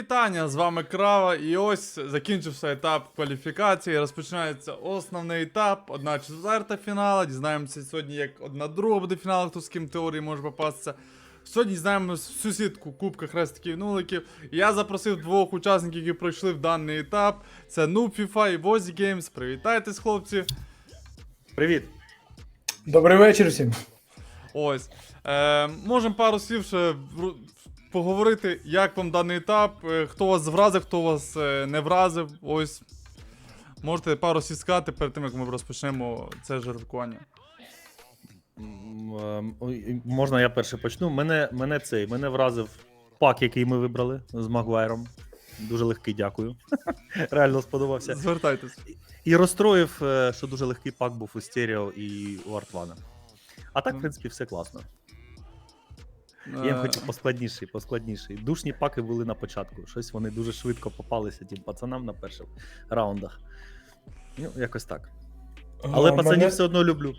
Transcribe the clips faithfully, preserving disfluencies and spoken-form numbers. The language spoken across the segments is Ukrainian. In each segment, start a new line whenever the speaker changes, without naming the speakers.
вітання, з вами Крава, і ось закінчився етап кваліфікації, розпочинається основний етап, одна четверта фінала, дізнаємося сьогодні, як одна друга буде фінал, хто з ким в теорії може попастися. Сьогодні дізнаємося сусідку Кубка Хрестиків Нуликів. Я запросив двох учасників, які пройшли в даний етап, це Нуб FIFA і Возі Геймс. Привітайтесь, хлопці.
Привіт.
Добрий вечір всім.
Ось. Е, можемо пару слів ще поговорити, як вам даний етап, хто вас вразив, хто вас не вразив. Ось. Можете пару слів сказати перед тим, як ми розпочнемо це жеребкування.
Можна я перше почну? Мене, мене цей, мене вразив пак, який ми вибрали з Магуайром. Дуже легкий, дякую. Реально сподобався.
Звертайтесь.
І розстроїв, що дуже легкий пак був у Стеріо і у Артвана. А так, в принципі, все класно. Я їм хотів поскладніший, поскладніший. Душні паки були на початку. Щось вони дуже швидко попалися тим пацанам на перших раундах. Ну, якось так. Але
А,
пацанів
мене...
все одно люблю.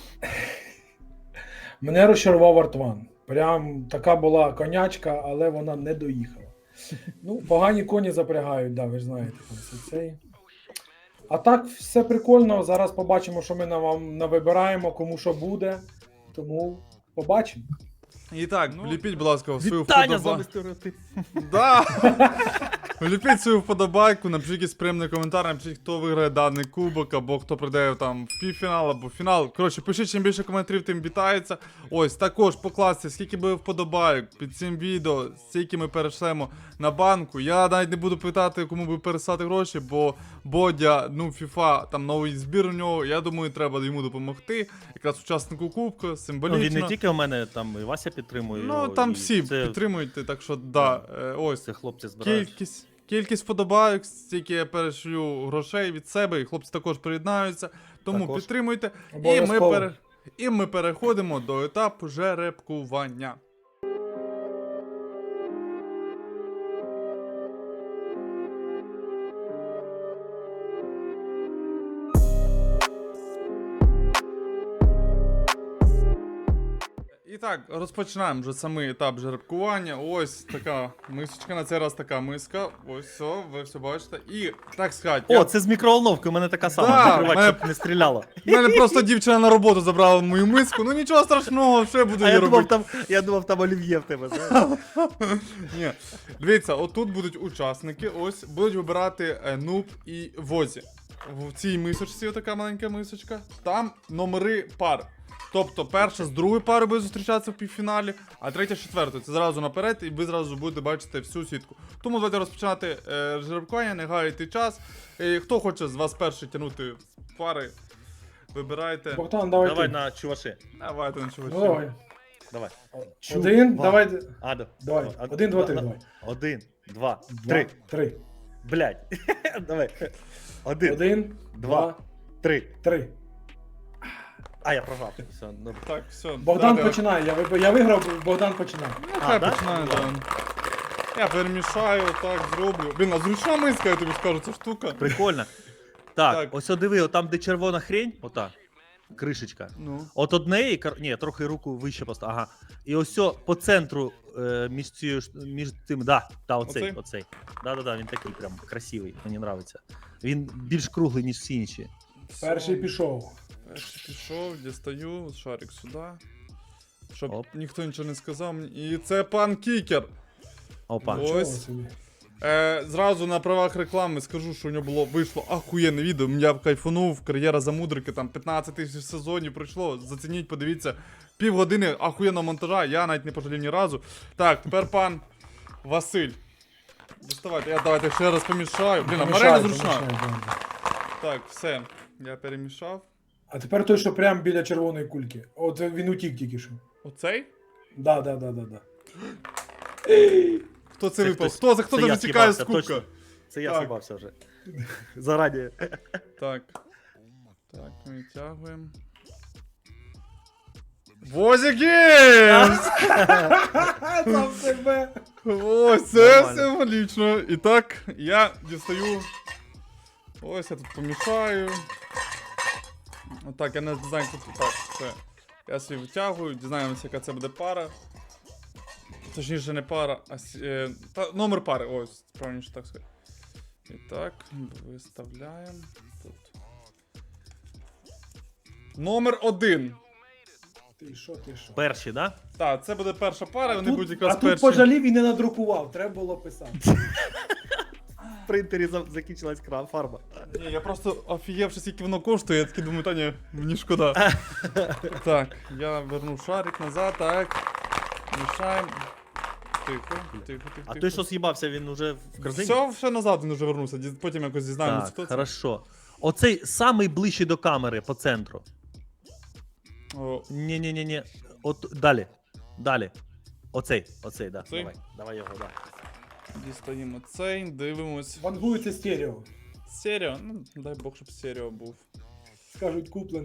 Мене розчарував Артван. Прям така була конячка, але вона не доїхала. Ну, погані коні запрягають, да, ви ж знаєте. Там все цей. А так, все прикольно. Зараз побачимо, що ми на вам навибираємо, кому що буде. Тому побачимо.
І так, ну, вліпіть, будь ласка, свою
Вітання з вами
вподобайку.
стереотип.
Да! Вліпіть свою вподобайку, напишіть якийсь приємний коментар, напишіть, хто виграє даний кубок, або хто прийде там в півфінал, або в фінал. Коротше, пишіть, чим більше коментарів, тим вітається. Ось, також покласти, скільки буде вподобайок під цим відео, скільки ми перейшлемо на банку. Я навіть не буду питати, кому би переслати гроші, бо Бодя, ну, FIFA, там новий збір у нього, я думаю, треба йому допомогти. Якраз учаснику кубку, символічно.
Ну, він не тільки у мене, там і Вася підтримує.
Ну,
його,
там
і
всі
це...
підтримують, так що, да, е, ось.
Це хлопці збирають.
Кількість, кількість вподобайок, стільки я перешлю грошей від себе, і хлопці також приєднаються, тому
Також.
підтримуйте. І ми,
Обов'язково.
пере... і ми переходимо до етапу жеребкування. І так, розпочинаємо вже самий етап жеребкування. Ось така мисочка, на цей раз така миска. Ось все, ви все бачите. І так сказати.
О,
я...
це з мікроволновки, у мене така сама,
Да,
закривач,
мене-
щоб не стріляло.
У мене просто дівчина на роботу забрала мою миску. Ну нічого страшного, що я буду
А
її
я думав,
робити.
там, я думав, там олів'є в тебе, знаєш.
Ні. Дивіться, отут будуть учасники, ось будуть вибирати е, Нуб і Возі. В цій мисочці, така маленька мисочка, там номери пар. Тобто перша з другою парою буде зустрічатися в півфіналі, а третя з четвертою. Це зразу наперед, і ви зразу будете бачити всю сітку. Тому давайте розпочинати е, жеребкування, не гаяйте час. Е, хто хоче з вас перший тягнути пари, вибирайте.
Богдан, давай.
Давай
ти.
на чуваши.
Давайте на чувачі.
Ну, давай.
Давай.
Один,
Два.
давай.
А, да.
Давай.
А,
Один, два, три,
на-
давай.
Один, два,
Два,
три.
Три.
Блядь. Давай. Один,
Один,
два,
два,
три.
три.
А, я програв. Все, ну.
Так, все.
Богдан
давайте.
починає. Я, виб- я виграв, Богдан починає.
Ну,
А,
хай
да?
починаю,
Ну,
да.
ладно.
Я перемішаю, так зроблю. Блін, а зручна миска, я тобі скажу, ця штука.
Прикольно. Так,
Так.
ось о, диви, там, де червона хрень, ота, кришечка.
Ну.
От однеї, кар- ні, трохи руку вище просто, ага. І ось о, по центру, е, між цією, ш- між тим, да, та, оцей,
Оцей?
оцей. Да-да-да, він такий прям красивий, мені нравиться. Він більш круглий, ніж всі інші.
Перший пішов.
Перший пішов, дістаю, шарик сюди. Щоб
Оп.
ніхто нічого не сказав мені. І це пан Кікер.
Опа.
О.
Чого
Ось.
собі?
Е, зразу на правах реклами скажу, що у нього було вийшло ахуєнне відео. Я кайфанув, кар'єра за мудрики, там п'ятнадцять тисяч сезонів пройшло. Зацініть, подивіться. Півгодини ахуєнного монтажа, я навіть не пожалів ні разу. Так, тепер пан Василь. Доставайте, я давайте ще раз помішаю. Блін, а
Помішай,
Марина зручна.
помішай, да.
Так, все. Я перемішав.
А тепер той, що прямо біля червоної кульки. От він утік тільки що.
Оцей?
Да, да, да, да, да.
Хто це,
Це
випав?
хтось-
Хто це? Хто
це
це
я
витікає з
з'їбався,
кубка?
точно. Це я
Так.
з'їбався вже. Зарані.
Так. Так, ми відтягуємо. Возі Геймс!
Сам себе.
Ось, це
Нормально.
символічно. І так, я дістаю. Ось я тут помішаю. Отак, я не знаю, тут так, все. Я собі витягую, дізнаємося, яка це буде пара. Точніше, не пара, а с- е, та, номер пари. Ось, правильніше так сказати. І так, виставляємо тут. Номер один.
Ти що, ти що?
Перші, да?
Так, це буде перша пара,
А
вони
тут,
будуть
а
якраз
тут
перші.
пожалів і не надрукував, треба було писати.
В принтері за- закінчилась кран фарба.
Ні, я просто офігевши, скільки воно коштує, я такий думаю, та ні, мені шкода. Так, я верну шарик назад, так. Мішаємо. Тихо, тихо, тихо.
А
тихо.
той, що з'їбався, він уже в корзині?
Все, все назад він вже вернувся, ді- потім якось дізнаємось, хто
Так,
це.
хорошо. Оцей самий ближчий до камери по центру.
О,
Ні-ні-ні-ні. От далі. Далі. Оцей, оцей, да.
Цей?
Давай. Давай його, да.
дістаємо цей, дивимось.
Вангується стерео.
Стерео, ну дай Бог, щоб стерео був.
Скажуть куплен.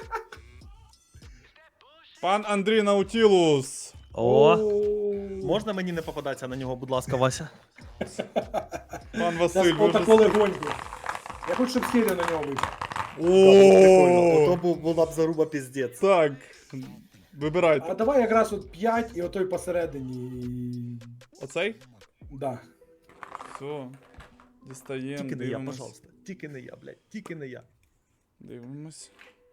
Пан Андрій Наутілус.
О, можна мені не попадатися на нього, будь ласка, Вася?
Пан Василь,
Зараз
ви вже...
отако легонько. Я хочу, щоб стерео на нього вийшло.
О,
був, була б заруба піздець.
так,
А
вибирайте.
давай якраз от п'ять і отой посередині. і-
Оцей?
Да.
Все. Дістаємо,
Тільки не я,
дивимось.
пожалуйста. Тільки не я, блядь. Тільки не я.
Дивимось.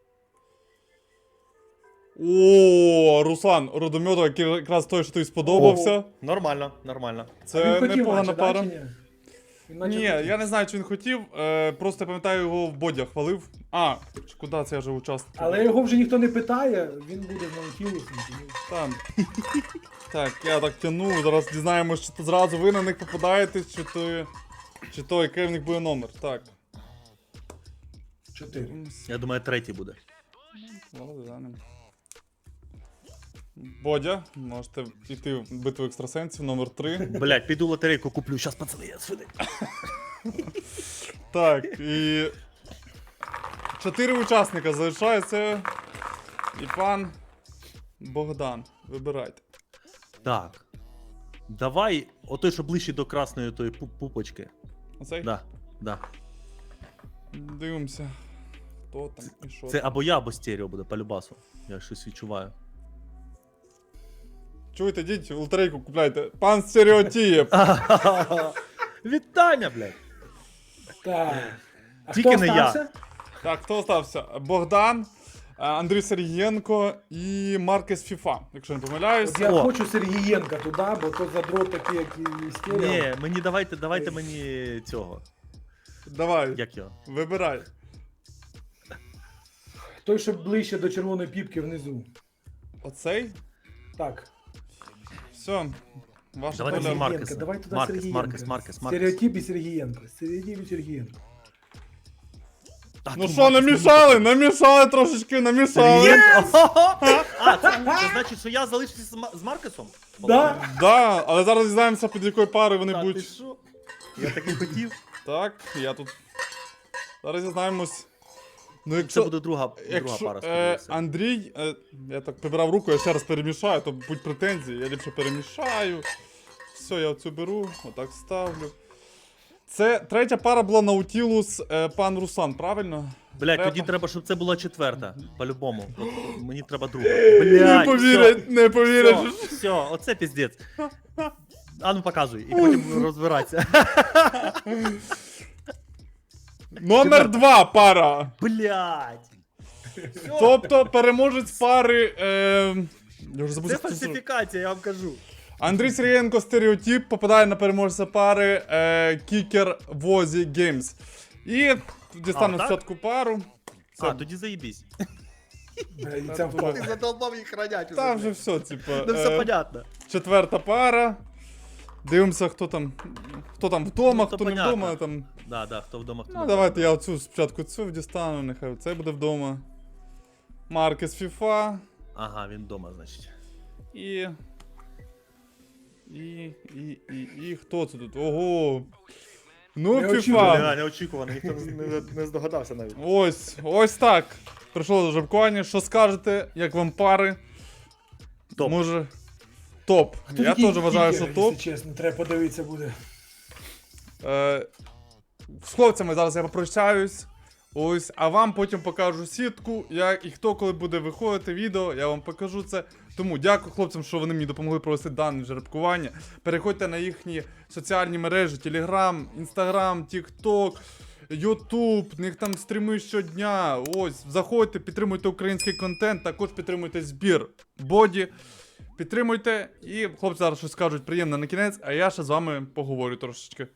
О, Руслан Родомьотов, який якраз той, що тобі сподобався.
Нормально, нормально.
А
Це
він хотів
непогана
наче,
пара.
да, чи ні? Він наче
Ні,
хотів.
я не знаю, чи він хотів. Е, просто я пам'ятаю, його в бодях хвалив. А, чи куди це я вже учасник?
Але його вже ніхто не питає, він буде з Наутілусом. тому-
Там. Так, я так тяну, зараз дізнаємось, чи то зразу ви на них попадаєте, чи то. Чи то який в них буде номер. Так.
Чотири.
Я думаю, третій буде.
Ладно, глянемо. Бодя, можете йти в битву екстрасенсів номер три.
Блядь, піду лотерейку куплю, щас пацани, я сюди.
Так, і. Чотири учасника залишається. І пан Богдан. Вибирайте.
Так. Давай, отой, що ближче до красної тої пу- пупочки.
Оцей?
Да, да.
Дивимося. Хто там і що.
Це
там.
або я, або стерео буде по любасу. Я щось відчуваю.
Чуєте, йдіть, лотерейку купляйте. Пан Стереотієв.
Вітання, блядь.
Так. А
Тільки
хто
не я.
остався?
Так, хто остався? Богдан, а, Андрій Сергієнко і Маркес Фіфа, якщо не помиляюсь.
От я
О.
хочу Сергієнка туди, бо то задрот такий, як і стерео.
Ні, мені давайте, давайте мені цього.
Давай,
Як його?
вибирай.
Той, що ближче до червоної піпки внизу.
Оцей?
Так.
Все. Ваша
Давайте
доля.
мені Маркеса.
Сергієнка, давай туди
Маркес,
Сергієнка.
Маркес, Маркес, Маркес.
Стереотип і Сергієнко. Стереотип і Сергієнко.
Так,
Ну
ти
що,
Маркес,
намішали, намішали трошечки, намішали.
Сергієнко? А, це, це значить, що я залишився з, Ма- з Маркесом?
Да?
Да, але зараз дізнаємося, під якою парою вони
Та ти
будуть.
що? Я так і хотів.
Так, я тут. Зараз дізнаємось. Ну,
Це
якщо,
буде друга, друга
якщо
пара,
е,
сподіваюся.
Андрій, е, я так прибирав руку, я ще раз перемішаю, то будь претензії, я ліпше перемішаю. Все, я оцю беру, отак ставлю. Це третя пара була Наутілус, е, пан Руслан, правильно?
Блядь,
треба.
тоді треба, щоб це була четверта. По-любому. От мені треба друга.
Не
Блядь,
повірять, не повірять.
Все, все, оце піздець. А ну показуй, і потім розбиратися.
Номер два пара.
Блядь.
Тобто переможець пари. Е, я вже забув,
Це
як це називається.
фальсифікація, я вам кажу.
Андрій Сергієнко Стереотип попадає на переможця пари е, Кікер Возі Геймс. І дістану
А, так?
спочатку пару. Це,
А, тоді заїбісь.
Е, І це впав.
задолбав їх хранять.
та вже все, типу.
Ну все
е,
понятно.
четверта пара. Дивимося, хто там. Хто там вдома,
Ну, то
хто не
понятно.
вдома. Там.
Да, да, хто вдома, хто
Ну,
не
давайте я оцю спочатку цю дістану, нехай це буде вдома. Маркес Фіфа.
Ага, він вдома, значить.
І. І. І. І. І. Хто це тут? Ого. Ну,
Неочікувано.
Фіфа.
Бля, неочікувано, ніхто не, не здогадався навіть.
Ось, ось так. Прийшло до жеребкування. Що скажете, як вам пари?
Топ.
Може. Топ.
Хто
Я
такий
теж вважаю,
кікер,
що топ.
Якщо чесно, треба подивитися буде.
Е, з хлопцями зараз я попрощаюсь. Ось, а вам потім покажу сітку, як і хто коли буде виходити відео, я вам покажу це. Тому дякую хлопцям, що вони мені допомогли провести дане жеребкування. Переходьте на їхні соціальні мережі: Telegram, Instagram, TikTok, YouTube, в них там стріми щодня. Ось, заходьте, підтримуйте український контент, також підтримуйте збір боді. Підтримуйте, і хлопці зараз щось скажуть приємне на кінець, а я ще з вами поговорю трошечки.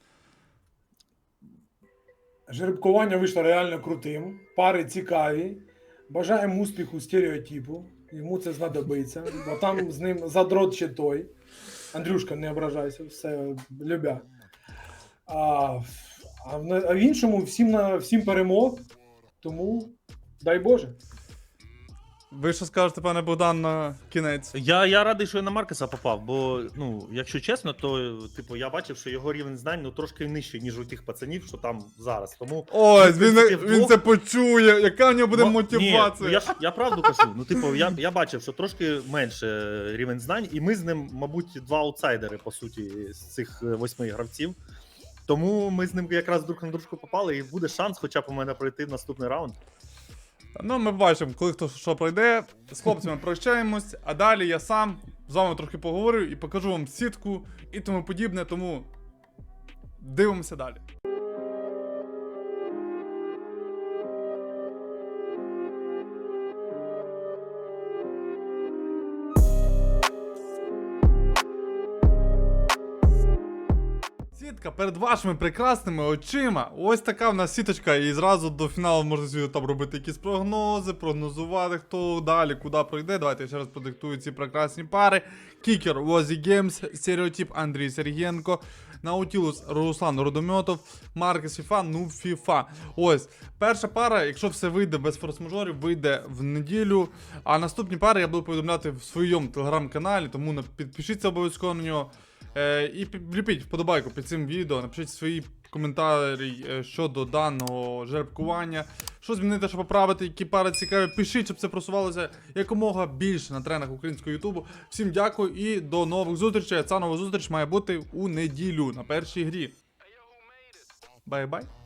Жеребкування вийшло реально крутим. Пари цікаві. Бажаємо успіху стереотипу. Йому це знадобиться. Бо там з ним задрот ще той. Андрюшка, не ображайся, все любя. А, а, в, а в іншому всім, на, всім перемог. Тому дай Боже.
Ви що скажете, пане Богдан, на кінець?
Я, я радий, що я на Маркеса попав, бо, ну, якщо чесно, то типу, я бачив, що його рівень знань ну, трошки нижчий, ніж у тих пацанів, що там зараз. Тому
Ось,
ну, в
він,
принципі,
він
вдвох-
це почує, яка в нього буде
Мо-
мотивація.
Ні, ну, я, ж- я правду кажу. Ну, типу, я, я бачив, що трошки менше рівень знань, і ми з ним, мабуть, два аутсайдери, по суті, з цих е, восьми гравців. Тому ми з ним якраз друг на дружку попали, і буде шанс хоча б у мене пройти в наступний раунд.
Ну, ми бачимо, коли хто що пройде. З хлопцями прощаємось, а далі я сам з вами трохи поговорю і покажу вам сітку і тому подібне, тому дивимося далі. Сітка перед вашими прекрасними очима. Ось така в нас сіточка, і зразу до фіналу можна собі там робити якісь прогнози, прогнозувати, хто далі, куди пройде. Давайте я ще раз продиктую ці прекрасні пари. Кікер Возі Геймс, Стереотип Андрій Сергієнко, Наутілус Руслан Родомьотов, Маркес Фіфа, ну Фіфа. Ось, перша пара, якщо все вийде без форс-мажорів, вийде в неділю. А наступні пари я буду повідомляти в своєму телеграм-каналі, тому на- підпишіться обов'язково на нього. Е, і вліпіть вподобайку під цим відео, напишіть свої коментарі е, щодо даного жеребкування. Що змінити, що поправити, які пари цікаві. Пишіть, щоб це просувалося якомога більше на тренах українського ютубу. Всім дякую і до нових зустрічей. Ця нова зустріч має бути у неділю на першій грі. Бай-бай.